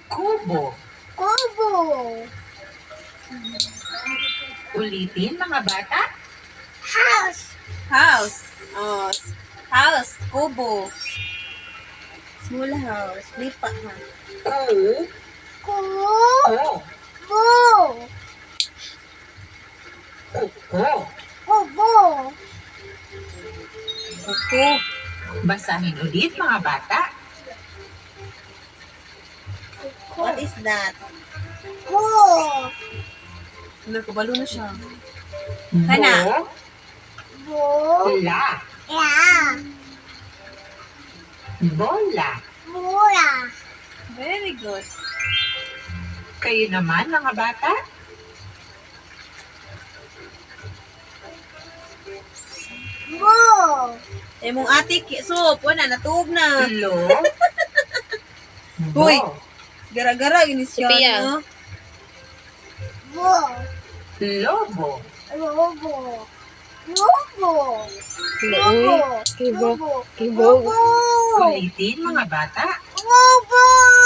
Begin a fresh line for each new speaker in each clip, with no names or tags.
Kubo.
Kubo.
Ulitin, mga bata.
House.
House. Oh, house. Kubo. Small house. Lipa ha.
Ku.
Kubo.
Ko. Kuko.
Kubo.
Kuko.
Basahin ulit, mga bata.
What is that?
Ku.
Nakabalo na siya.
Bo.
Kana.
Bo.
La.
La.
Bola.
Mura.
Very good.
Kayo naman, mga bata.
Bo.
Eh mong ate soup, wala natuog na.
Lo.
Hoy.
Bo.
Gara-gara inis siya,
Sophia.
no?
Bo.
Lobo.
Lobo. Lobo.
Uy, kibo.
Lobo.
Kibo.
Lobo.
Ulitin, mga bata.
Lobo.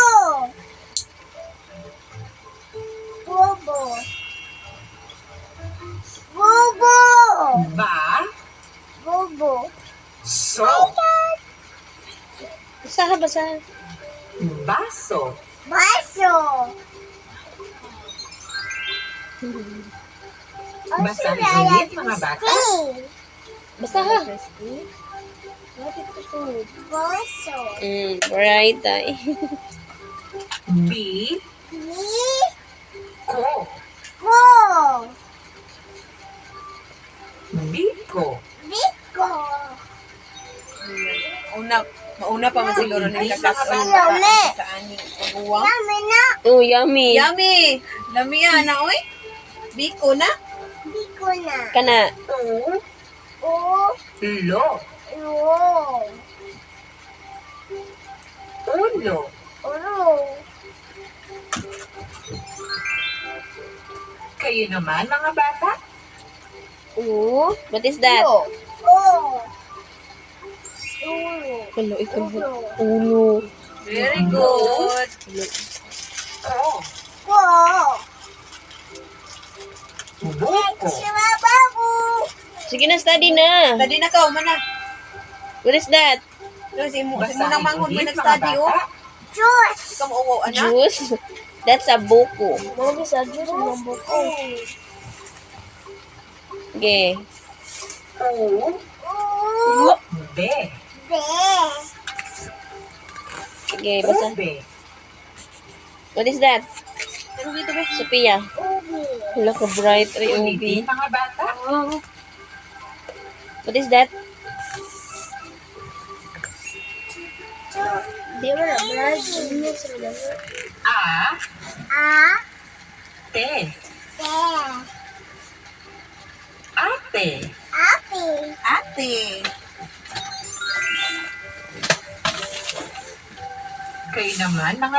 Lobo. Lobo.
Ba.
Lobo.
So.
Basahan, basahan.
Baso.
Baso.
Basahin ulit, mga bata.
Basahan.
Baso.
Right, ay.
Bi.
Ni.
Ko.
Ko.
Biko.
Biko.
Mauna pa man siguro ni kakasal
Yummy.
sa ani. Uwang.
Yummy na.
Oh, yummy.
Yummy. Lami na oy. Biko na.
Biko na.
Kana.
U.
O.
Lo.
Lo.
Ulo.
Uro.
Kayo naman, mga bata.
Oh, what is that?
O. Ulo.
Hello, ikaw.
Ulo.
Ulo.
Very good.
Ko.
Ko.
Buko.
Babu.
Sige na, study na.
Study na ka, mana.
What is that?
Si mo
Basahin
nang manghod mo
ulit, mga
nag-study
bata.
oh.
Juice.
Ikaw mo ana.
Juice? That's a buko.
Bago sa juice ng buko.
Okay.
U.
U.
Be.
Be.
Sige, basa.
Ube.
What is that?
Pero dito ba?
Sophia.
Ubi.
Wala ka bright, ay ubi.
Ulitin, mga bata.
What is that?
Di ba na brad? Ano sila?
A.
A.
Te.
Te.
Ate.
Api.
Ate.
Kayo naman, mga